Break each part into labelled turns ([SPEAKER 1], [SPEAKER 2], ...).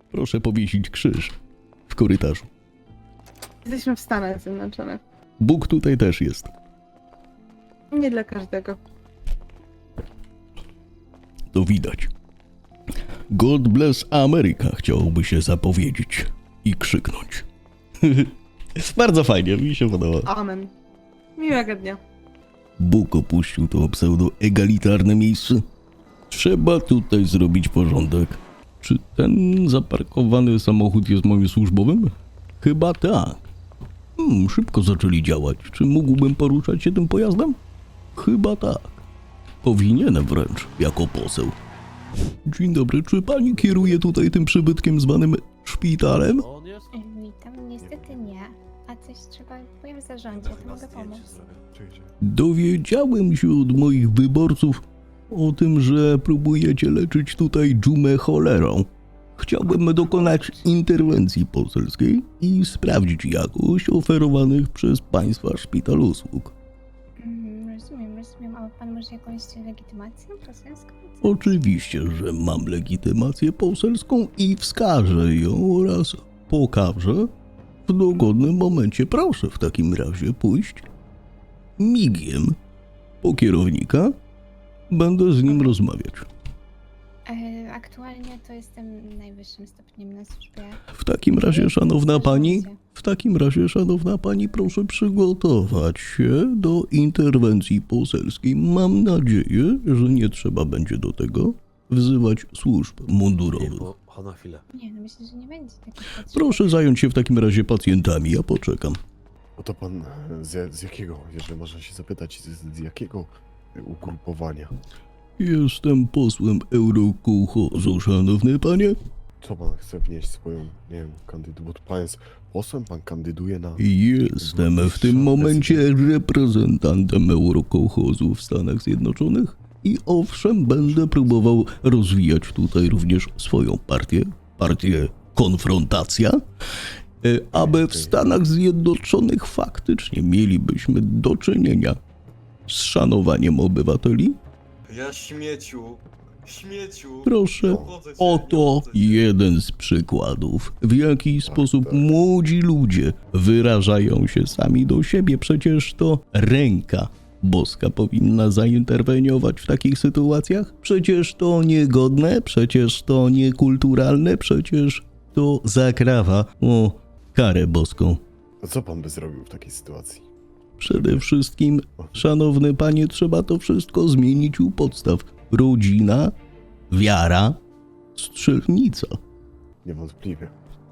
[SPEAKER 1] Proszę powiesić krzyż w korytarzu.
[SPEAKER 2] Jesteśmy w Stanach Zjednoczonych.
[SPEAKER 1] Bóg tutaj też jest.
[SPEAKER 2] Nie dla każdego.
[SPEAKER 1] To widać. God bless America chciałoby się zapowiedzieć i krzyknąć. Bardzo fajnie, mi się podoba.
[SPEAKER 2] Amen. Miłego dnia.
[SPEAKER 1] Bóg opuścił to pseudo-egalitarne miejsce. Trzeba tutaj zrobić porządek. Czy ten zaparkowany samochód jest moim służbowym? Chyba tak. Szybko zaczęli działać. Czy mógłbym poruszać się tym pojazdem? Chyba tak. Powinienem wręcz, jako poseł. Dzień dobry, czy pani kieruje tutaj tym przybytkiem zwanym szpitalem?
[SPEAKER 3] Witam, niestety nie. A coś trzeba, powiem w zarządzie, to mogę pomóc.
[SPEAKER 1] Dowiedziałem się od moich wyborców o tym, że próbujecie leczyć tutaj dżumę cholerą. Chciałbym dokonać interwencji poselskiej i sprawdzić jakość oferowanych przez państwa szpital usług.
[SPEAKER 3] Rozumiem. A ma pan może jakąś legitymację poselską?
[SPEAKER 1] Oczywiście, że mam legitymację poselską i wskażę ją oraz pokażę w dogodnym momencie. Proszę w takim razie pójść migiem po kierownika. Będę z nim rozmawiać.
[SPEAKER 3] Aktualnie to jestem najwyższym stopniem na służbie.
[SPEAKER 1] W takim razie, szanowna pani, proszę przygotować się do interwencji poselskiej. Mam nadzieję, że nie trzeba będzie do tego wzywać służb mundurowych.
[SPEAKER 4] Na chwilę.
[SPEAKER 3] Nie, no myślę, że nie będzie takich potrzeb.
[SPEAKER 1] Proszę zająć się w takim razie pacjentami, ja poczekam.
[SPEAKER 4] No to pan z jakiego, jeżeli można się zapytać, z jakiego ugrupowania?
[SPEAKER 1] Jestem posłem Eurokołchozu, szanowny panie.
[SPEAKER 4] Co pan chce wnieść swoją, nie wiem, kandydaturę? Bo pan jest posłem, pan kandyduje na...
[SPEAKER 1] Jestem w tym momencie reprezentantem Eurokołchozu w Stanach Zjednoczonych i owszem, będę próbował rozwijać tutaj również swoją partię Konfrontacja, aby w Stanach Zjednoczonych faktycznie mielibyśmy do czynienia z szanowaniem obywateli.
[SPEAKER 5] Ja śmieciu.
[SPEAKER 1] Proszę, oto jeden z przykładów, w jaki sposób młodzi ludzie wyrażają się sami do siebie. Przecież to ręka boska powinna zainterweniować w takich sytuacjach. Przecież to niegodne, przecież to niekulturalne, przecież to zakrawa o karę boską.
[SPEAKER 4] A co pan by zrobił w takiej sytuacji?
[SPEAKER 1] Przede wszystkim, szanowny panie, trzeba to wszystko zmienić u podstaw. Rodzina, wiara, strzelnica.
[SPEAKER 4] Niewątpliwie.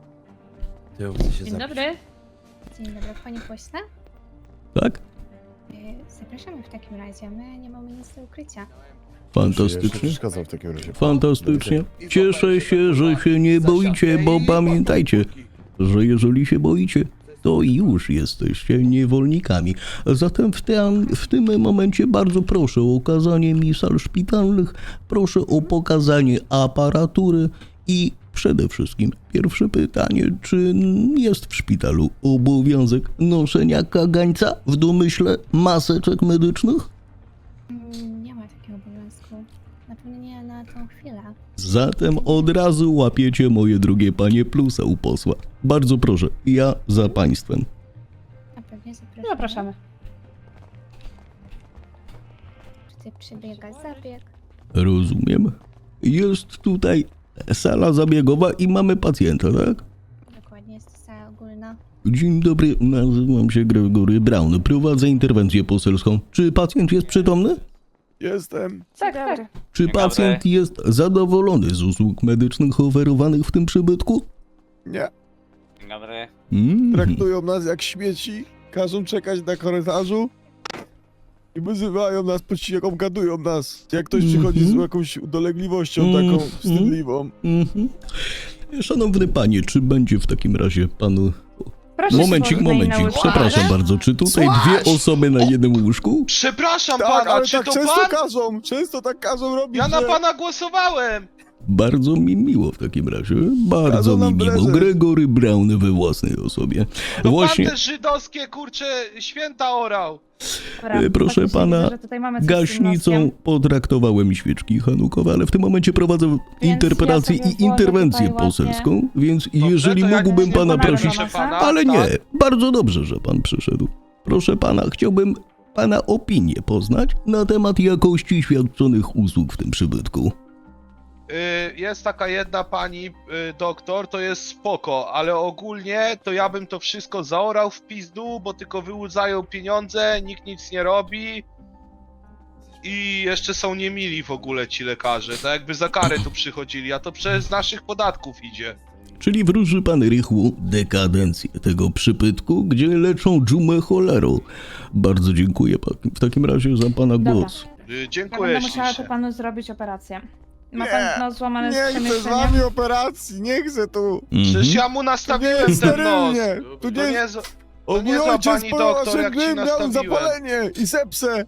[SPEAKER 3] Dzień dobry, panie pośle.
[SPEAKER 1] Tak?
[SPEAKER 3] Zapraszamy w takim razie, my nie mamy nic do ukrycia.
[SPEAKER 1] Fantastycznie.
[SPEAKER 4] Przeszkadzam w takim razie.
[SPEAKER 1] Fantastycznie. Cieszę się, że się nie boicie, bo pamiętajcie, że jeżeli się boicie, to już jesteście niewolnikami. Zatem w tym momencie bardzo proszę o okazanie mi sal szpitalnych, proszę o pokazanie aparatury i przede wszystkim pierwsze pytanie, czy jest w szpitalu obowiązek noszenia kagańca w domyśle maseczek medycznych?
[SPEAKER 3] Nie ma takiego obowiązku. Na pewno nie na tą chwilę.
[SPEAKER 1] Zatem od razu łapiecie moje drugie panie plusa u posła. Bardzo proszę, ja za państwem.
[SPEAKER 3] A pewnie zapraszamy.
[SPEAKER 2] Zapraszamy.
[SPEAKER 3] Tutaj przebiega zabieg.
[SPEAKER 1] Rozumiem. Jest tutaj sala zabiegowa i mamy pacjenta, tak?
[SPEAKER 3] Dokładnie, jest to sala ogólna.
[SPEAKER 1] Dzień dobry, nazywam się Gregory Brown. Prowadzę interwencję poselską. Czy pacjent jest przytomny?
[SPEAKER 4] Jestem.
[SPEAKER 2] Tak.
[SPEAKER 1] Czy pacjent jest zadowolony z usług medycznych oferowanych w tym przybytku?
[SPEAKER 4] Nie.
[SPEAKER 5] Dzień dobry.
[SPEAKER 4] Traktują nas jak śmieci, każą czekać na korytarzu i wyzywają nas, gadują nas. Jak ktoś przychodzi z jakąś dolegliwością taką wstydliwą.
[SPEAKER 1] Szanowny panie, czy będzie w takim razie panu...
[SPEAKER 2] Proszę
[SPEAKER 1] Momencik, przepraszam bardzo, czy tutaj dwie osoby na jednym łóżku?
[SPEAKER 5] Przepraszam
[SPEAKER 4] Tak,
[SPEAKER 5] pana,
[SPEAKER 4] ale
[SPEAKER 5] czy
[SPEAKER 4] tak
[SPEAKER 5] to
[SPEAKER 4] często
[SPEAKER 5] pan?
[SPEAKER 4] każą robić,
[SPEAKER 5] Ja na
[SPEAKER 4] że...
[SPEAKER 5] pana głosowałem!
[SPEAKER 1] Bardzo mi miło w takim razie. Bardzo
[SPEAKER 4] Kazał
[SPEAKER 1] mi
[SPEAKER 4] nam
[SPEAKER 1] miło.
[SPEAKER 4] prezes.
[SPEAKER 1] Gregory Brown we własnej osobie.
[SPEAKER 6] No
[SPEAKER 1] Właśnie,
[SPEAKER 6] pan te żydowskie, kurcze, święta orał.
[SPEAKER 2] Dobra,
[SPEAKER 1] proszę
[SPEAKER 2] faktycznie
[SPEAKER 1] pana,
[SPEAKER 2] widzę, że tutaj mamy coś z tym
[SPEAKER 1] gaśnicą
[SPEAKER 2] noskiem.
[SPEAKER 1] potraktowałem świeczki hanukowe, ale w tym momencie prowadzę interpelację
[SPEAKER 2] ja sobie
[SPEAKER 1] i interwencję
[SPEAKER 2] włożę tutaj
[SPEAKER 1] poselską, więc
[SPEAKER 6] Dobrze,
[SPEAKER 1] jeżeli
[SPEAKER 6] to ja
[SPEAKER 1] mógłbym
[SPEAKER 6] nic nie
[SPEAKER 1] pana
[SPEAKER 6] powiem,
[SPEAKER 1] prosić...
[SPEAKER 6] proszę pana,
[SPEAKER 1] Ale nie,
[SPEAKER 6] tak?
[SPEAKER 1] bardzo dobrze, że pan przyszedł. Proszę pana, chciałbym pana opinię poznać na temat jakości świadczonych usług w tym przybytku.
[SPEAKER 6] Jest taka jedna pani doktor, to jest spoko, ale ogólnie to ja bym to wszystko zaorał w pizdu, bo tylko wyłudzają pieniądze, nikt nic nie robi i jeszcze są niemili w ogóle ci lekarze, tak jakby za karę tu przychodzili, a to przez naszych podatków idzie.
[SPEAKER 1] Czyli wróży pan rychłą dekadencję tego przybytku, gdzie leczą dżumę cholerą. Bardzo dziękuję w takim razie za pana
[SPEAKER 2] Dobra.
[SPEAKER 1] głos.
[SPEAKER 2] Ja
[SPEAKER 6] Dziękuję
[SPEAKER 2] będę musiała tu
[SPEAKER 6] ślicznie.
[SPEAKER 2] panu zrobić operację. Ma
[SPEAKER 4] Nie,
[SPEAKER 2] pan nos złamane z
[SPEAKER 4] Nie chcę z
[SPEAKER 2] przemieszczeniem.
[SPEAKER 4] wami operacji, nie chcę tu.
[SPEAKER 6] Przecież
[SPEAKER 1] Mhm.
[SPEAKER 6] ja mu
[SPEAKER 4] Tu nie
[SPEAKER 6] nastawiłem
[SPEAKER 4] jest
[SPEAKER 6] ten nos.
[SPEAKER 4] sterylnie. Tu
[SPEAKER 6] To
[SPEAKER 4] nie
[SPEAKER 6] nie
[SPEAKER 4] jest...
[SPEAKER 6] jest...
[SPEAKER 4] O,
[SPEAKER 6] nie
[SPEAKER 4] mój
[SPEAKER 6] zła
[SPEAKER 4] ojciec
[SPEAKER 6] pani
[SPEAKER 4] po
[SPEAKER 6] doktor, jak ci
[SPEAKER 4] osiedleniu miał
[SPEAKER 6] nastawiłem.
[SPEAKER 4] zapalenie i sepsę.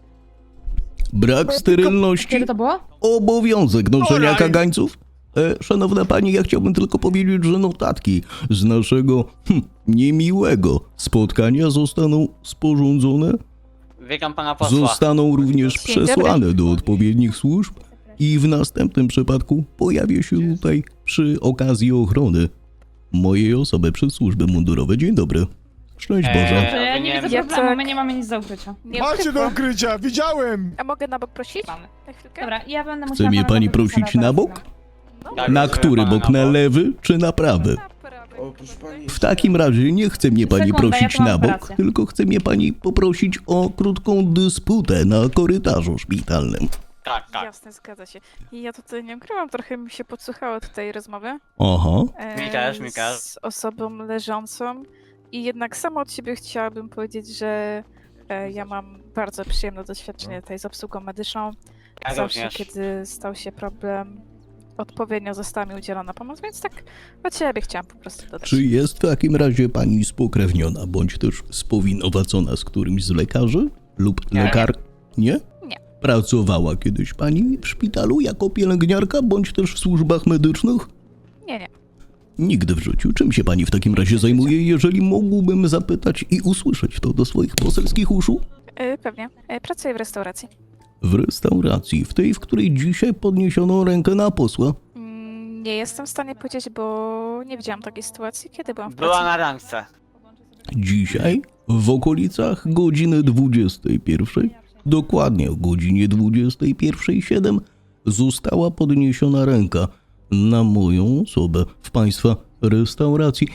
[SPEAKER 1] Brak sterylności,
[SPEAKER 2] Kiedy to było?
[SPEAKER 1] obowiązek noszenia
[SPEAKER 6] Oraj.
[SPEAKER 1] kagańców. Szanowna pani, ja chciałbym tylko powiedzieć, że notatki z naszego niemiłego spotkania zostaną sporządzone,
[SPEAKER 5] Witam pana posła.
[SPEAKER 1] zostaną również
[SPEAKER 2] Dzień dobry.
[SPEAKER 1] przesłane do odpowiednich służb i w następnym przypadku pojawię się tutaj przy okazji ochrony mojej osoby przez służby mundurowe. Dzień dobry. Szczęść Boże.
[SPEAKER 2] Dobrze, ja nie widzę
[SPEAKER 7] Jacek.
[SPEAKER 2] problemu, my nie mamy nic do ukrycia.
[SPEAKER 7] Nie
[SPEAKER 4] Macie do
[SPEAKER 7] ukrywam.
[SPEAKER 4] ukrycia, widziałem.
[SPEAKER 7] A mogę na bok prosić?
[SPEAKER 2] Mamy.
[SPEAKER 7] Na chwilkę?
[SPEAKER 2] Dobra, ja będę
[SPEAKER 1] Chce
[SPEAKER 2] musiała
[SPEAKER 1] mnie
[SPEAKER 2] pana
[SPEAKER 1] pani
[SPEAKER 2] zaprosić
[SPEAKER 1] prosić
[SPEAKER 2] na
[SPEAKER 1] na
[SPEAKER 2] operacyjną.
[SPEAKER 7] No.
[SPEAKER 5] Tak,
[SPEAKER 1] Na
[SPEAKER 5] proszę
[SPEAKER 1] który
[SPEAKER 5] pana
[SPEAKER 1] bok? Na
[SPEAKER 5] bok.
[SPEAKER 1] lewy czy na prawy?
[SPEAKER 7] Na prawej.
[SPEAKER 5] O, proszę pani.
[SPEAKER 1] W takim razie nie chce mnie pani
[SPEAKER 2] Sekunda,
[SPEAKER 1] prosić
[SPEAKER 2] ja tu mam
[SPEAKER 1] na bok,
[SPEAKER 2] operację.
[SPEAKER 1] tylko chce mnie pani poprosić o krótką dysputę na korytarzu szpitalnym.
[SPEAKER 5] Tak, tak.
[SPEAKER 7] Jasne, zgadza się. I ja tutaj nie ukrywam, trochę mi się podsłuchało tutaj rozmowy.
[SPEAKER 1] Aha.
[SPEAKER 5] Mi też, mi też.
[SPEAKER 7] Z osobą leżącą. I jednak sama od siebie chciałabym powiedzieć, że ja mam bardzo przyjemne doświadczenie tutaj z obsługą medyczną.
[SPEAKER 5] Ja
[SPEAKER 7] Zawsze,
[SPEAKER 5] również.
[SPEAKER 7] kiedy stał się problem, odpowiednio została mi udzielona pomoc, więc tak od siebie chciałam po prostu dodać.
[SPEAKER 1] Czy jest w takim razie pani spokrewniona, bądź też spowinowacona z którymś z lekarzy lub
[SPEAKER 5] Nie.
[SPEAKER 1] lekar... Nie?
[SPEAKER 7] Nie.
[SPEAKER 1] Pracowała kiedyś pani w szpitalu jako pielęgniarka, bądź też w służbach medycznych?
[SPEAKER 7] Nie, nie.
[SPEAKER 1] Nigdy w życiu. Czym się pani w takim razie zajmuje, jeżeli mógłbym zapytać i usłyszeć to do swoich poselskich uszu?
[SPEAKER 7] Pewnie. Pracuję w restauracji.
[SPEAKER 1] W restauracji, w tej, w której dzisiaj podniesiono rękę na posła.
[SPEAKER 7] Nie jestem w stanie powiedzieć, bo nie widziałam takiej sytuacji, kiedy byłam w pracy.
[SPEAKER 5] Była na randce.
[SPEAKER 1] Dzisiaj w okolicach godziny 21, dokładnie o godzinie 21:07 została podniesiona ręka na moją osobę w państwa restauracji.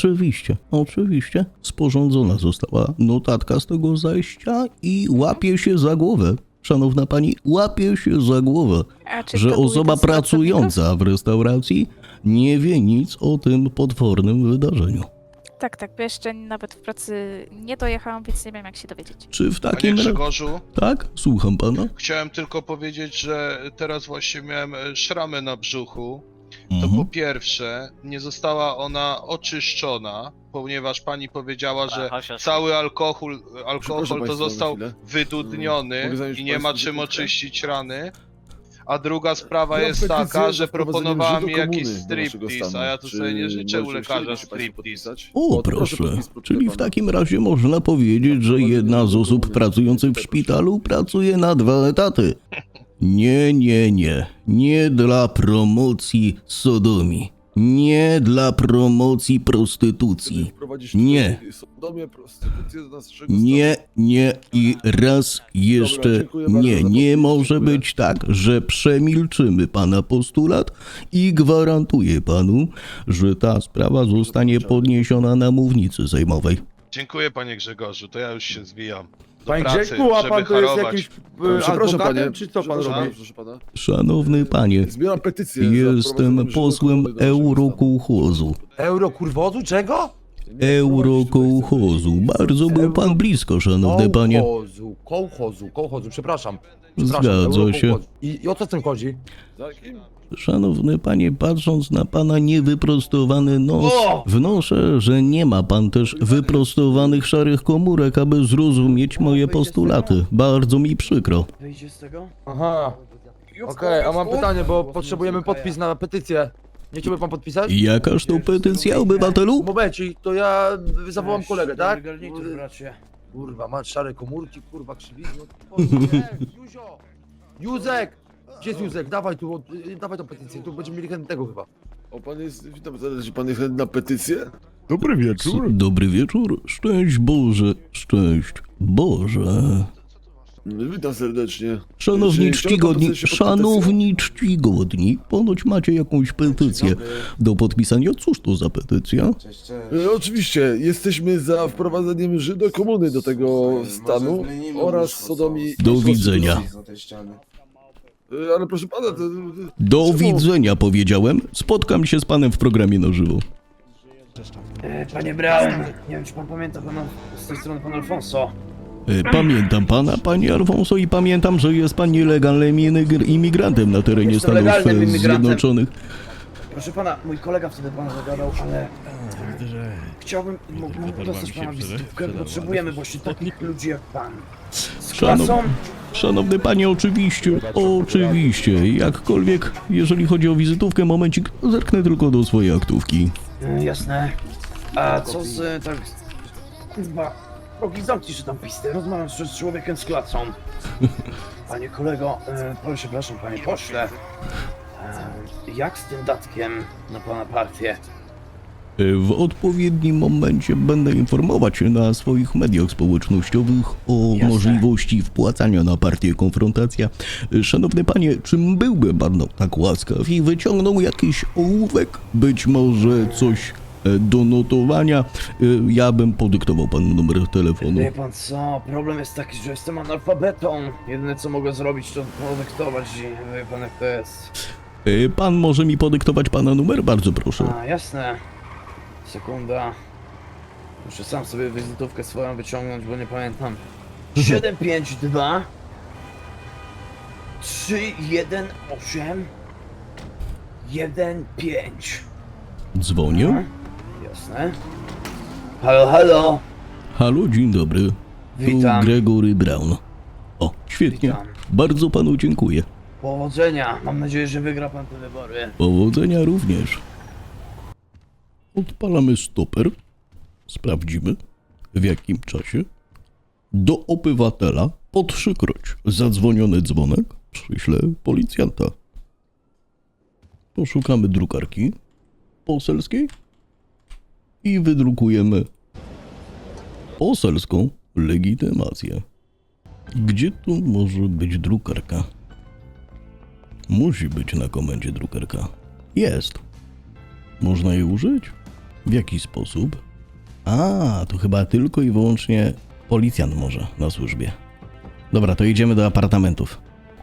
[SPEAKER 1] Oczywiście sporządzona została notatka z tego zajścia i łapie się za głowę. Szanowna pani, łapie się za głowę,
[SPEAKER 7] A czy
[SPEAKER 1] że
[SPEAKER 7] to był
[SPEAKER 1] osoba
[SPEAKER 7] jeden z pracowników?
[SPEAKER 1] pracująca w restauracji nie wie nic o tym potwornym wydarzeniu.
[SPEAKER 7] Tak, bo jeszcze nawet w pracy nie dojechałam, więc nie wiem jak się dowiedzieć.
[SPEAKER 1] Czy w
[SPEAKER 6] Panie
[SPEAKER 1] takim razie...
[SPEAKER 6] Grzegorzu,
[SPEAKER 1] Tak? Słucham pana.
[SPEAKER 6] chciałem tylko powiedzieć, że teraz właśnie miałem szramę na brzuchu. To po
[SPEAKER 1] Mhm.
[SPEAKER 6] pierwsze, nie została ona oczyszczona, ponieważ pani powiedziała, że
[SPEAKER 5] Chodź, chodź.
[SPEAKER 6] cały alkohol
[SPEAKER 4] Przepraszam
[SPEAKER 6] to
[SPEAKER 4] państwa na
[SPEAKER 6] został
[SPEAKER 4] chwilę.
[SPEAKER 6] wydudniony
[SPEAKER 4] Mogę zająć
[SPEAKER 6] i nie ma
[SPEAKER 4] państwu
[SPEAKER 6] czym
[SPEAKER 4] sekundkę?
[SPEAKER 6] oczyścić rany. A druga sprawa
[SPEAKER 4] Ja
[SPEAKER 6] jest
[SPEAKER 4] petycję
[SPEAKER 6] taka,
[SPEAKER 4] za
[SPEAKER 6] że
[SPEAKER 4] wprowadzeniem
[SPEAKER 6] proponowała mi
[SPEAKER 4] Żydo
[SPEAKER 6] jakiś
[SPEAKER 4] komuny do naszego
[SPEAKER 6] striptease,
[SPEAKER 4] stanu.
[SPEAKER 6] a ja tu
[SPEAKER 4] Czy
[SPEAKER 6] sobie nie życzę u
[SPEAKER 4] możecie
[SPEAKER 6] lekarza
[SPEAKER 4] chcielibyście państwo
[SPEAKER 6] striptease.
[SPEAKER 4] podpisać?
[SPEAKER 1] O,
[SPEAKER 4] to
[SPEAKER 1] proszę.
[SPEAKER 4] podpis, proszę
[SPEAKER 1] Czyli w
[SPEAKER 4] pana.
[SPEAKER 1] takim razie można powiedzieć, że jedna z osób pracujących w szpitalu pracuje na 2 etaty. Nie. Nie dla promocji sodomii. Nie dla promocji prostytucji.
[SPEAKER 4] Wprowadzić
[SPEAKER 1] Nie.
[SPEAKER 4] tutaj sodomię, prostytucję do naszego
[SPEAKER 1] Nie i raz jeszcze
[SPEAKER 4] dziękuję bardzo za
[SPEAKER 1] nie
[SPEAKER 4] podpis,
[SPEAKER 1] może
[SPEAKER 4] dziękuję.
[SPEAKER 1] być tak, że przemilczymy pana postulat i gwarantuję panu, że ta sprawa zostanie podniesiona na mównicy sejmowej.
[SPEAKER 6] Dziękuję panie Grzegorzu, to ja już się zwijam. Do
[SPEAKER 8] Panie
[SPEAKER 6] pracy,
[SPEAKER 8] Grzegku, a
[SPEAKER 6] żeby
[SPEAKER 8] pan to jest
[SPEAKER 6] harować.
[SPEAKER 8] jakiś
[SPEAKER 4] Przepraszam
[SPEAKER 8] adwokatem,
[SPEAKER 4] panie,
[SPEAKER 8] czy co pan
[SPEAKER 4] przepraszam,
[SPEAKER 8] robi?
[SPEAKER 4] proszę pana.
[SPEAKER 1] Szanowny panie,
[SPEAKER 4] Zbieram petycję. za
[SPEAKER 1] jestem
[SPEAKER 4] wprowadzeniem
[SPEAKER 1] posłem
[SPEAKER 4] Żydo komuny do naszego
[SPEAKER 1] Eurokołchozu.
[SPEAKER 8] Eurokurwozu? Czego?
[SPEAKER 4] stanu.
[SPEAKER 1] Eurokołchozu. Bardzo był pan blisko, szanowny panie.
[SPEAKER 8] Kołchozu, przepraszam.
[SPEAKER 1] Zgadza się.
[SPEAKER 8] Eurokołchozu. I o co w tym chodzi?
[SPEAKER 4] Za kim?
[SPEAKER 1] Szanowny panie, patrząc na pana niewyprostowany nos,
[SPEAKER 8] O!
[SPEAKER 1] wnoszę, że nie ma pan też wyprostowanych szarych komórek, aby zrozumieć moje postulaty. Bardzo mi przykro.
[SPEAKER 8] Aha. Okej, a mam pytanie, bo potrzebujemy podpis na petycję. Nie chciałby pan podpisać?
[SPEAKER 1] Jakaż to petycja, obywatelu?
[SPEAKER 8] Momencik, to ja zawołam kolegę, tak? Kurwa, masz szare komórki, kurwa, krzywizno. Juzio! Józek! Gdzie jest Józek? Dawaj tu, dawaj tą petycję, tu będziemy mieli chętnego chyba.
[SPEAKER 4] O, pan jest, witam serdecznie, pan jest chętny na petycję? Dobry wieczór.
[SPEAKER 1] Dobry wieczór, szczęść Boże, szczęść Boże.
[SPEAKER 4] Witam serdecznie.
[SPEAKER 1] Szanowni
[SPEAKER 4] Czy chciałby pan
[SPEAKER 1] czcigodni,
[SPEAKER 4] podpisać się pod
[SPEAKER 1] szanowni czcigodni, ponoć macie jakąś petycję do podpisania. Cóż to za petycja?
[SPEAKER 4] Oczywiście, jesteśmy za wprowadzeniem Żydokomuny do tego stanu oraz sodomii...
[SPEAKER 1] Do widzenia.
[SPEAKER 4] Ale proszę pana, to...
[SPEAKER 1] Do
[SPEAKER 4] czemu-
[SPEAKER 1] widzenia powiedziałem. Spotkam się z panem w programie na żywo.
[SPEAKER 9] Panie Brown, nie wiem czy pan pamięta pana z tej strony pan Alfonso.
[SPEAKER 1] Pamiętam pana, panie Alfonso, i pamiętam, że jest pan nielegalnym imigrantem na terenie
[SPEAKER 9] Jestem
[SPEAKER 1] Stanów
[SPEAKER 9] legalnym imigrantem.
[SPEAKER 1] Zjednoczonych.
[SPEAKER 9] Proszę pana, mój kolega wtedy pana zagadał, ale chciałbym mógłbym dostać pana wizytówkę. Potrzebujemy właśnie takich ludzi jak pan. Z klasą.
[SPEAKER 1] Szanowny panie, oczywiście, jakkolwiek, jeżeli chodzi o wizytówkę, momencik, zerknę tylko do swojej aktówki.
[SPEAKER 9] Jasne. A co z tak... Kurwa, rogi zamknij się tam pistę, rozmawiam z człowiekiem z klasą. Panie kolego, przepraszam panie pośle. Jak z tym datkiem na pana partię?
[SPEAKER 1] W odpowiednim momencie będę informować na swoich mediach społecznościowych o
[SPEAKER 9] Jasne.
[SPEAKER 1] możliwości wpłacania na partię Konfrontacja. Szanowny panie, czym byłby pan tak łaskaw i wyciągnął jakiś ołówek, być może coś do notowania, ja bym podyktował panu numer telefonu.
[SPEAKER 9] Wie pan co, problem jest taki, że jestem analfabetą. Jedyne co mogę zrobić to podyktować i wie pan jak to jest.
[SPEAKER 1] Pan może mi podyktować pana numer? Bardzo proszę.
[SPEAKER 9] A, jasne. Sekunda. Muszę sam sobie wizytówkę swoją wyciągnąć, bo nie pamiętam. 752 318 15.
[SPEAKER 1] Dzwonię.
[SPEAKER 9] Jasne. Halo, halo.
[SPEAKER 1] Halo, dzień dobry.
[SPEAKER 9] Witam.
[SPEAKER 1] Tu Gregory Brown. O, świetnie.
[SPEAKER 9] Witam.
[SPEAKER 1] Bardzo panu dziękuję.
[SPEAKER 9] Powodzenia. Mam nadzieję, że wygra pan te wybory.
[SPEAKER 1] Powodzenia również. Odpalamy stoper. Sprawdzimy, w jakim czasie. Do obywatela po 3-kroć zadzwoniony dzwonek przyślę policjanta. Poszukamy drukarki poselskiej i wydrukujemy poselską legitymację. Gdzie tu może być drukarka? Musi być na komendzie drukarka. Jest. Można jej użyć? W jaki sposób? A, to chyba tylko i wyłącznie policjant może na służbie. Dobra, to idziemy do apartamentów.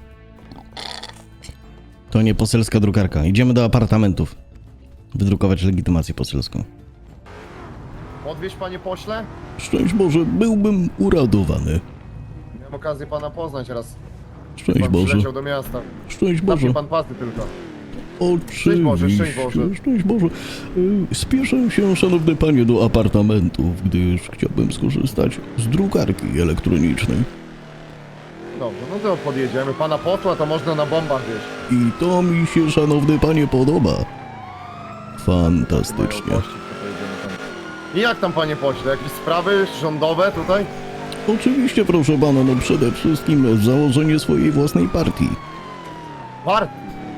[SPEAKER 1] To nie poselska drukarka. Idziemy do apartamentów. Wydrukować legitymację poselską.
[SPEAKER 10] Odwieź panie pośle?
[SPEAKER 1] Szczęść Boże, byłbym uradowany.
[SPEAKER 10] Miałem okazję pana poznać raz.
[SPEAKER 1] Szczęść
[SPEAKER 10] Pan
[SPEAKER 1] Boże.
[SPEAKER 10] przyleciał do miasta.
[SPEAKER 1] Szczęść Boże.
[SPEAKER 10] Zamknij pan pasy tylko.
[SPEAKER 1] Oczywiście.
[SPEAKER 10] Boże, szczęść Boże.
[SPEAKER 1] Szczęść Boże. Spieszę się, szanowny panie, do apartamentów, gdyż chciałbym skorzystać z drukarki elektronicznej.
[SPEAKER 10] Dobrze, no to podjedziemy. Pana posła to można na bombach wieść.
[SPEAKER 1] I to mi się, szanowny panie, podoba. Fantastycznie.
[SPEAKER 10] Mają gości, to pojedziemy tam. I jak tam panie pośle? Jakieś sprawy rządowe tutaj?
[SPEAKER 1] Oczywiście, proszę pana, no przede wszystkim założenie swojej własnej partii.
[SPEAKER 10] Partii.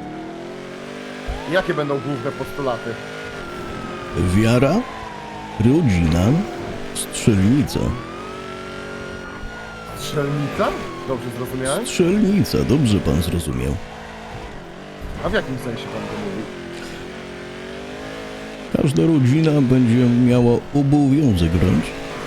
[SPEAKER 10] Jakie będą główne postulaty?
[SPEAKER 1] Wiara, rodzina, strzelnica.
[SPEAKER 10] Strzelnica? Dobrze zrozumiałem?
[SPEAKER 1] Strzelnica, dobrze pan zrozumiał.
[SPEAKER 10] A w jakim sensie pan to mówi?
[SPEAKER 1] Każda rodzina będzie miała obowiązek wręcz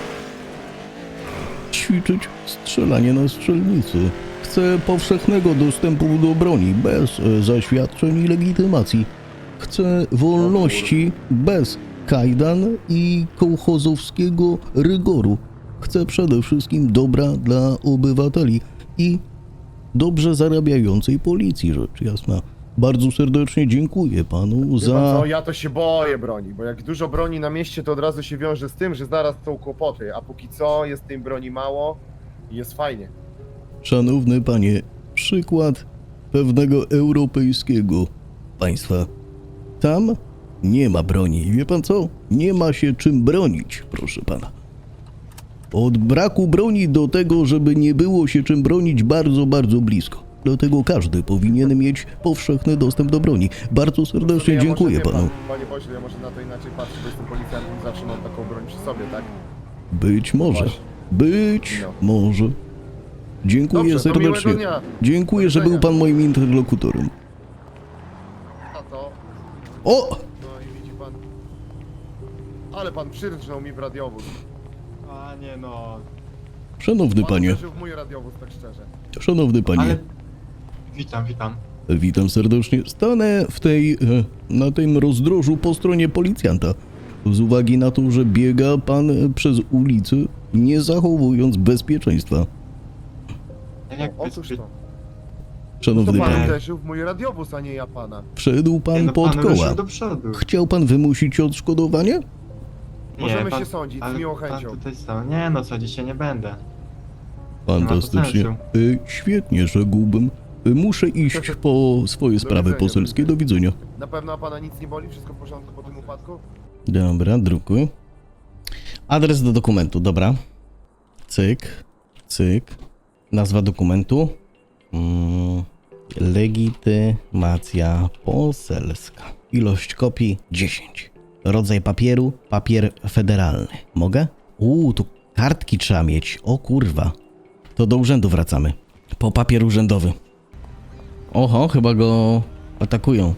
[SPEAKER 1] ćwiczyć strzelanie na strzelnicy. Chcę powszechnego dostępu do broni bez zaświadczeń i legitymacji. Chcę wolności bez kajdan i kołchozowskiego rygoru. Chcę przede wszystkim dobra dla obywateli i dobrze zarabiającej policji, rzecz jasna. Bardzo serdecznie dziękuję panu
[SPEAKER 10] Wie pan
[SPEAKER 1] za...
[SPEAKER 10] co, ja to się boję broni, bo jak dużo broni na mieście, to od razu się wiąże z tym, że zaraz są kłopoty, a póki co jest tej broni mało i jest fajnie.
[SPEAKER 1] Szanowny panie, przykład pewnego europejskiego państwa. Tam nie ma broni. I wie pan co? Nie ma się czym bronić, proszę pana. Od braku broni do tego, żeby nie było się czym bronić, bardzo, bardzo blisko. Dlatego każdy powinien mieć powszechny dostęp do broni. Bardzo serdecznie
[SPEAKER 10] Ja
[SPEAKER 1] dziękuję
[SPEAKER 10] może, wie
[SPEAKER 1] panu.
[SPEAKER 10] Pan, panie pośle, ja może na to inaczej patrzę, bo jestem policjantem i zawsze mam taką broń przy sobie, tak?
[SPEAKER 1] Być może.
[SPEAKER 10] Właśnie.
[SPEAKER 1] Być
[SPEAKER 10] No.
[SPEAKER 1] może. Dziękuję
[SPEAKER 10] Dobrze, to
[SPEAKER 1] serdecznie.
[SPEAKER 10] miłego dnia.
[SPEAKER 1] Dziękuję, że był pan moim interlokutorem.
[SPEAKER 10] A to...
[SPEAKER 1] O!
[SPEAKER 10] No i widzi pan... Ale pan przyrżnął mi w radiowóz.
[SPEAKER 11] Panie no...
[SPEAKER 1] Szanowny
[SPEAKER 10] Pan
[SPEAKER 1] panie,
[SPEAKER 10] uderzył w mój radiowóz, tak szczerze.
[SPEAKER 1] szanowny panie.
[SPEAKER 11] Ale... Witam, witam.
[SPEAKER 1] Witam serdecznie. Stanę na tym rozdrożu po stronie policjanta. Z uwagi na to, że biega pan przez ulicę, nie zachowując bezpieczeństwa.
[SPEAKER 11] Jak
[SPEAKER 10] Otóż to. To
[SPEAKER 1] Szanowny
[SPEAKER 10] pan
[SPEAKER 1] panie,
[SPEAKER 10] uderzył w mój radiowóz, a nie ja pana.
[SPEAKER 1] wszedł pan
[SPEAKER 11] no,
[SPEAKER 1] pod
[SPEAKER 11] pan
[SPEAKER 1] koła.
[SPEAKER 11] ruszył do przodu.
[SPEAKER 1] Chciał pan wymusić odszkodowanie?
[SPEAKER 10] Możemy się sądzić, z
[SPEAKER 11] ale
[SPEAKER 10] miłą
[SPEAKER 11] pan
[SPEAKER 10] chęcią.
[SPEAKER 11] tutaj stał. Nie no, co dzisiaj nie będę.
[SPEAKER 1] Fantastycznie.
[SPEAKER 11] sensu.
[SPEAKER 1] Świetnie, rzekłbym. Muszę iść po swoje sprawy
[SPEAKER 10] widzenia,
[SPEAKER 1] poselskie.
[SPEAKER 10] do
[SPEAKER 1] Do widzenia.
[SPEAKER 10] Na pewno pana nic nie boli? Wszystko w porządku po tym upadku?
[SPEAKER 1] Dobra, drukuj. Adres do dokumentu, dobra. Cyk, cyk. Nazwa dokumentu. Legitymacja poselska. Ilość kopii 10. Rodzaj papieru, papier federalny. Mogę? Tu kartki trzeba mieć. O kurwa. To do urzędu wracamy. Po papier urzędowy. Oho, chyba go atakują.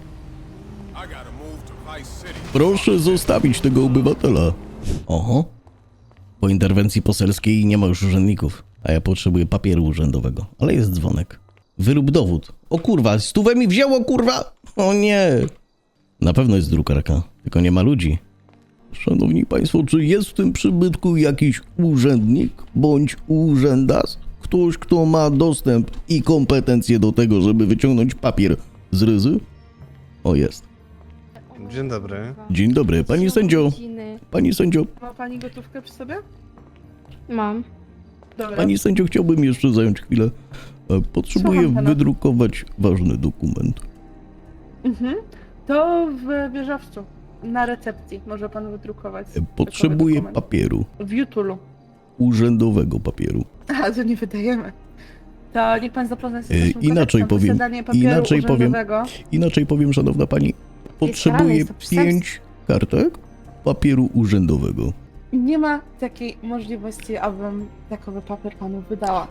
[SPEAKER 1] Proszę zostawić tego obywatela. Oho. Po interwencji poselskiej nie ma już urzędników, a ja potrzebuję papieru urzędowego. Ale jest dzwonek. Wyrób dowód. O kurwa, stówę mi wzięło, kurwa! O nie! Na pewno jest drukarka, tylko nie ma ludzi. Szanowni państwo, czy jest w tym przybytku jakiś urzędnik bądź urzędas? Ktoś, kto ma dostęp i kompetencje do tego, żeby wyciągnąć papier z ryzy? O, jest.
[SPEAKER 2] Dzień dobry.
[SPEAKER 1] Dzień dobry, pani sędzio. Pani sędzio,
[SPEAKER 2] Ma pani gotówkę przy sobie?
[SPEAKER 3] Mam.
[SPEAKER 2] Dobra.
[SPEAKER 1] pani sędzio, chciałbym jeszcze zająć chwilę. Potrzebuję
[SPEAKER 2] Słucham pana.
[SPEAKER 1] wydrukować ważny dokument.
[SPEAKER 2] To w wieżowcu. Na recepcji może pan wydrukować.
[SPEAKER 1] Potrzebuję
[SPEAKER 2] dokument.
[SPEAKER 1] papieru.
[SPEAKER 2] W Jutulu.
[SPEAKER 1] Urzędowego papieru.
[SPEAKER 2] A, to nie wydajemy. To niech pan zapozna się z naszym
[SPEAKER 1] Inaczej
[SPEAKER 2] kodeksem.
[SPEAKER 1] powiem,
[SPEAKER 2] Posiadanie papieru
[SPEAKER 1] inaczej powiem.
[SPEAKER 2] urzędowego.
[SPEAKER 1] Inaczej powiem, szanowna pani, potrzebuję
[SPEAKER 2] jest to przestępstwo.
[SPEAKER 1] 5 kartek papieru urzędowego.
[SPEAKER 2] Nie ma takiej możliwości, abym takowy papier panu wydała.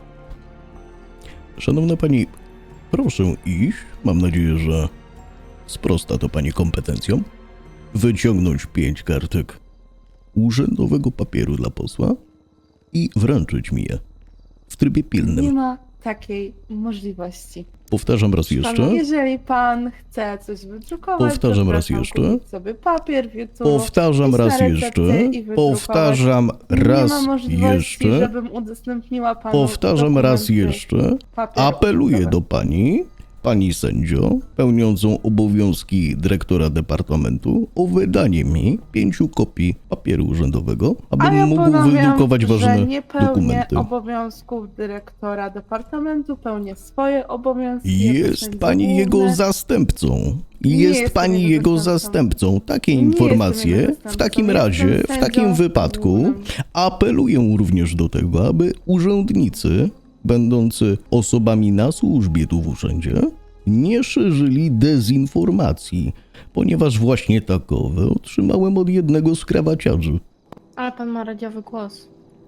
[SPEAKER 1] Szanowna pani, proszę iść. Mam nadzieję, że sprosta to pani kompetencjom. Wyciągnąć 5 kartek urzędowego papieru dla posła i wręczyć mi je w trybie
[SPEAKER 2] Nie
[SPEAKER 1] pilnym.
[SPEAKER 2] ma takiej możliwości.
[SPEAKER 1] Powtarzam raz
[SPEAKER 2] Panu,
[SPEAKER 1] jeszcze.
[SPEAKER 2] jeżeli pan chce coś wydrukować,
[SPEAKER 1] Powtarzam
[SPEAKER 2] to
[SPEAKER 1] raz
[SPEAKER 2] proszę
[SPEAKER 1] jeszcze.
[SPEAKER 2] kupić sobie papier w Jutulu,
[SPEAKER 1] Powtarzam
[SPEAKER 2] iść na
[SPEAKER 1] raz
[SPEAKER 2] recepcję
[SPEAKER 1] jeszcze.
[SPEAKER 2] i wydrukować.
[SPEAKER 1] Powtarzam
[SPEAKER 2] Nie
[SPEAKER 1] raz
[SPEAKER 2] ma możliwości,
[SPEAKER 1] jeszcze.
[SPEAKER 2] żebym udostępniła panu
[SPEAKER 1] Powtarzam raz
[SPEAKER 2] dokumenty
[SPEAKER 1] jeszcze.
[SPEAKER 2] papieru
[SPEAKER 1] Apeluję
[SPEAKER 2] urzędowego.
[SPEAKER 1] do pani sędzio, pełniącą obowiązki dyrektora departamentu, o wydanie mi 5 kopii papieru urzędowego, abym
[SPEAKER 2] A ja
[SPEAKER 1] mógł
[SPEAKER 2] ponawiam,
[SPEAKER 1] wydrukować
[SPEAKER 2] że
[SPEAKER 1] ważne
[SPEAKER 2] nie pełnię
[SPEAKER 1] dokumenty.
[SPEAKER 2] obowiązków dyrektora departamentu, pełnię swoje obowiązki. jako
[SPEAKER 1] Jest
[SPEAKER 2] sędzia
[SPEAKER 1] pani jego
[SPEAKER 2] główny.
[SPEAKER 1] zastępcą.
[SPEAKER 2] Nie
[SPEAKER 1] Jest
[SPEAKER 2] jestem
[SPEAKER 1] pani
[SPEAKER 2] jego
[SPEAKER 1] jego
[SPEAKER 2] zastępcą.
[SPEAKER 1] zastępcą. Takie
[SPEAKER 2] Nie jestem
[SPEAKER 1] informacje
[SPEAKER 2] jego
[SPEAKER 1] w
[SPEAKER 2] zastępcą.
[SPEAKER 1] takim
[SPEAKER 2] Jestem
[SPEAKER 1] razie, w
[SPEAKER 2] sędzią
[SPEAKER 1] takim wypadku
[SPEAKER 2] głównym.
[SPEAKER 1] apeluję również do tego, aby urzędnicy, będący osobami na służbie tu w urzędzie, nie szerzyli dezinformacji, ponieważ właśnie takowe otrzymałem od jednego z krawaciarzy.
[SPEAKER 3] Ale pan ma radiowy głos.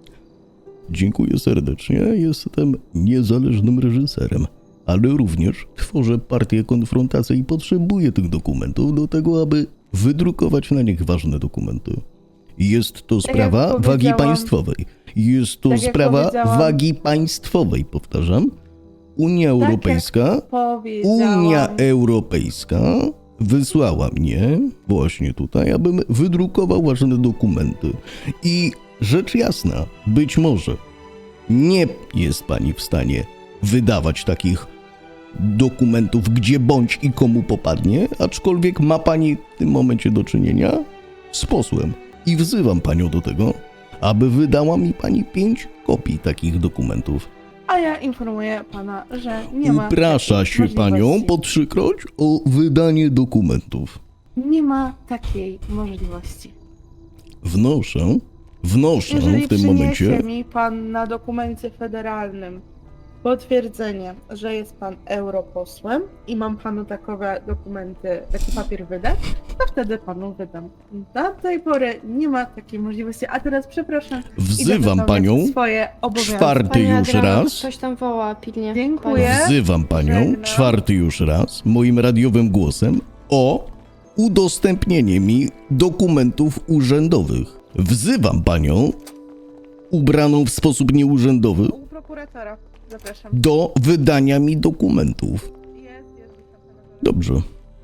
[SPEAKER 1] Dziękuję serdecznie, jestem niezależnym reżyserem, ale również tworzę partię konfrontacji i potrzebuję tych dokumentów do tego, aby wydrukować na nich ważne dokumenty. Jest to
[SPEAKER 2] jak
[SPEAKER 1] sprawa wagi
[SPEAKER 2] powiedziałam-
[SPEAKER 1] państwowej. Jest to
[SPEAKER 2] tak jak
[SPEAKER 1] sprawa
[SPEAKER 2] powiedziałam-
[SPEAKER 1] wagi państwowej, powtarzam. Unia
[SPEAKER 2] jak
[SPEAKER 1] Europejska
[SPEAKER 2] Powiedziałam.
[SPEAKER 1] Unia Europejska wysłała mnie właśnie tutaj, abym wydrukował ważne dokumenty. I rzecz jasna, być może nie jest pani w stanie wydawać takich dokumentów gdzie bądź i komu popadnie, aczkolwiek ma pani w tym momencie do czynienia z posłem. I wzywam panią do tego, aby wydała mi pani 5 kopii takich dokumentów.
[SPEAKER 2] a ja informuję pana, że nie ma
[SPEAKER 1] Uprasza
[SPEAKER 2] takiej
[SPEAKER 1] się panią
[SPEAKER 2] możliwości.
[SPEAKER 1] po 3-kroć o wydanie dokumentów.
[SPEAKER 2] Nie ma takiej możliwości.
[SPEAKER 1] Wnoszę
[SPEAKER 2] Jeżeli
[SPEAKER 1] w tym momencie.
[SPEAKER 2] przyniesie mi pan na dokumencie federalnym potwierdzenie, że jest pan europosłem i mam panu takowe dokumenty, taki papier wydać, to wtedy panu wydam. Do tej pory nie ma takiej możliwości, a teraz przepraszam. idę
[SPEAKER 1] Wzywam
[SPEAKER 2] wypełniać
[SPEAKER 1] panią
[SPEAKER 2] swoje obowiązki.
[SPEAKER 1] 4. już raz.
[SPEAKER 3] Ktoś tam woła pilnie.
[SPEAKER 2] Dziękuję.
[SPEAKER 1] Wzywam panią
[SPEAKER 2] Żegnam.
[SPEAKER 1] 4. już raz moim radiowym głosem o udostępnienie mi dokumentów urzędowych. Wzywam panią ubraną w sposób nieurzędowy
[SPEAKER 2] U prokuratora. Zapraszam.
[SPEAKER 1] do wydania mi dokumentów.
[SPEAKER 2] Jest.
[SPEAKER 1] Dobrze.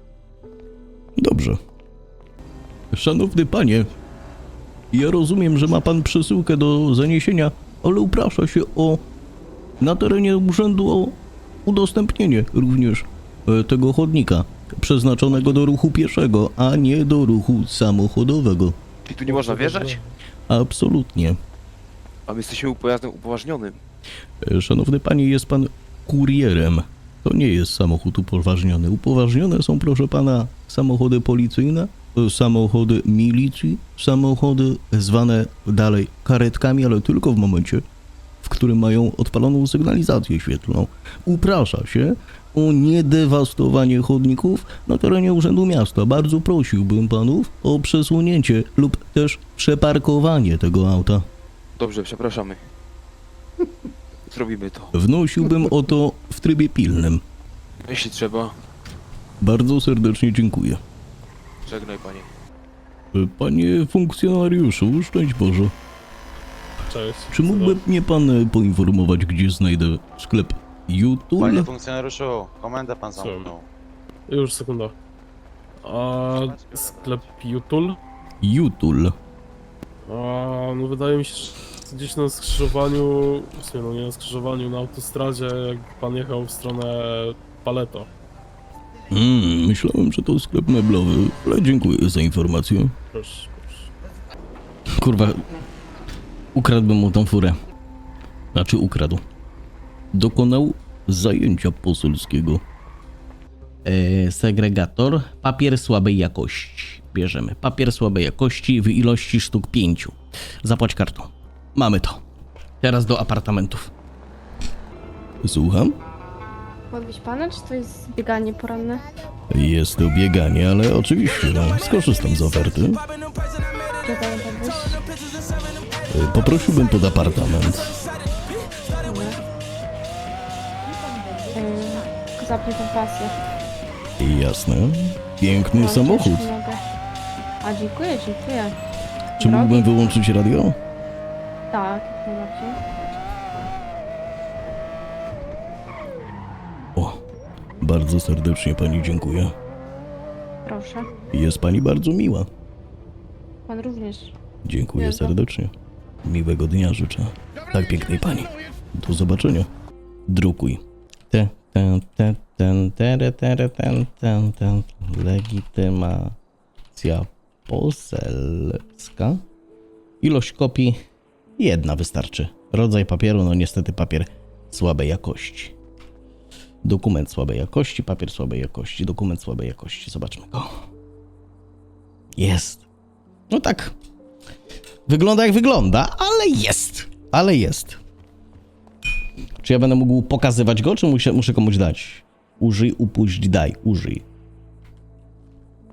[SPEAKER 1] Dobrze. Szanowny panie, ja rozumiem, że ma pan przesyłkę do zaniesienia, ale uprasza się o na terenie urzędu o udostępnienie również tego chodnika przeznaczonego do ruchu pieszego, a nie do ruchu samochodowego.
[SPEAKER 12] Czyli tu nie można wjeżdżać?
[SPEAKER 1] Absolutnie.
[SPEAKER 12] A my jesteśmy pojazdem upoważnionym.
[SPEAKER 1] Szanowny panie, jest pan kurierem. To nie jest samochód upoważniony. Upoważnione są, proszę pana, samochody policyjne, samochody milicji, samochody zwane dalej karetkami, ale tylko w momencie, w którym mają odpaloną sygnalizację świetlną. Uprasza się o niedewastowanie chodników na terenie Urzędu Miasta. Bardzo prosiłbym panów o przesunięcie lub też przeparkowanie tego auta.
[SPEAKER 12] Dobrze, przepraszamy. Zrobimy to.
[SPEAKER 1] Wnosiłbym o to w trybie pilnym.
[SPEAKER 12] Jeśli trzeba,
[SPEAKER 1] Bardzo serdecznie dziękuję.
[SPEAKER 12] żegnaj panie.
[SPEAKER 1] Panie funkcjonariuszu, szczęść Boże.
[SPEAKER 11] Cześć.
[SPEAKER 1] Czy mógłby mnie pan poinformować, gdzie znajdę sklep YouTube?
[SPEAKER 5] Panie funkcjonariuszu, komendę pan zamknął.
[SPEAKER 11] Już sekunda. A sklep Jutul?
[SPEAKER 1] YouTube.
[SPEAKER 11] No wydaje mi się, że gdzieś na skrzyżowaniu, w sumie no nie na skrzyżowaniu, na autostradzie, jak pan jechał w stronę Paleto.
[SPEAKER 1] Myślałem, że to sklep meblowy, ale dziękuję za informację.
[SPEAKER 11] Proszę.
[SPEAKER 1] Kurwa, ukradłbym mu tą furę. Znaczy ukradł. Dokonał zajęcia poselskiego. Segregator, papier słabej jakości. Bierzemy papier słabej jakości w ilości sztuk 5. Zapłać kartą. Mamy to. Teraz do apartamentów. Słucham?
[SPEAKER 3] Podwieźć pana, czy to jest bieganie poranne?
[SPEAKER 1] Jest to bieganie, ale oczywiście, skorzystam z oferty.
[SPEAKER 3] Gdzie dają podwieźć?
[SPEAKER 1] Poprosiłbym pod apartament.
[SPEAKER 3] Tylko zapnij tą pasję.
[SPEAKER 1] Jasne. Piękny
[SPEAKER 3] Proszę,
[SPEAKER 1] samochód.
[SPEAKER 3] już mogę. A dziękuję.
[SPEAKER 1] Czy mógłbym wyłączyć radio?
[SPEAKER 3] Tak, jak najbardziej.
[SPEAKER 1] O, bardzo serdecznie pani dziękuję.
[SPEAKER 3] Proszę.
[SPEAKER 1] Jest pani bardzo miła.
[SPEAKER 3] Pan również.
[SPEAKER 1] Dziękuję
[SPEAKER 3] Miłego.
[SPEAKER 1] serdecznie. Miłego dnia życzę. Tak pięknej pani. Do zobaczenia. Drukuj. Legitymacja poselska. Ilość kopii 1 wystarczy. Rodzaj papieru, no niestety papier słabej jakości. Dokument słabej jakości, papier słabej jakości, dokument słabej jakości. Zobaczmy go. Jest. No tak. Wygląda jak wygląda, ale jest. Czy ja będę mógł pokazywać go, czy muszę komuś dać? Użyj, upuść, daj. Użyj.